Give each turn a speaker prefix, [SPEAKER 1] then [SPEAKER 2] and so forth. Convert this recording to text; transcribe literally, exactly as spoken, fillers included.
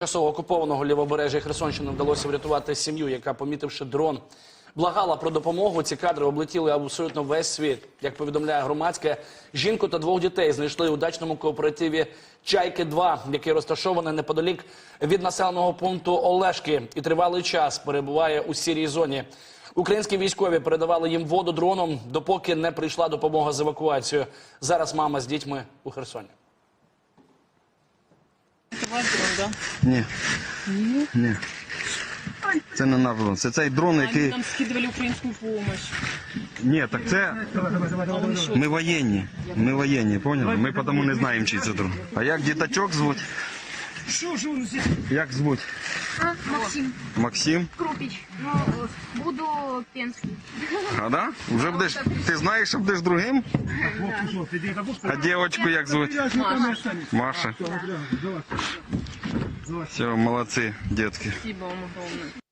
[SPEAKER 1] Тимчасово окупованого лівобережжя Херсонщини вдалося врятувати сім'ю, яка, помітивши дрон, благала про допомогу. Ці кадри облетіли абсолютно весь світ. Як повідомляє громадське, жінку та двох дітей знайшли у дачному кооперативі «Чайки-два», який розташований неподалік від населеного пункту Олешки і тривалий час перебуває у сірій зоні. Українські військові передавали їм воду дроном, допоки не прийшла допомога з евакуацією. Зараз мама з дітьми у Херсоні.
[SPEAKER 2] Це ваш дрон, так?
[SPEAKER 3] Ні.
[SPEAKER 2] Ні?
[SPEAKER 3] Ні. Це не наш дрон. Це цей дрон,
[SPEAKER 2] Они
[SPEAKER 3] який...
[SPEAKER 2] нам скидывали украинскую помощь.
[SPEAKER 3] Ні, так це...
[SPEAKER 2] А он що?
[SPEAKER 3] Ми воєнні. Ми воєнні, поняли? Ми тому не знаємо, чий це дрон. А як діточок звуть? Як звуть?
[SPEAKER 4] А, Максим
[SPEAKER 3] Максим?
[SPEAKER 4] Крупич. Ну, буду Пенский.
[SPEAKER 3] А, да? Вже будеш... Ти знаєш, що будеш другим? А дівчинку як звуть?
[SPEAKER 2] Маша.
[SPEAKER 3] Маша. Все, молодці, дітки.
[SPEAKER 2] Спасибо вам огромное.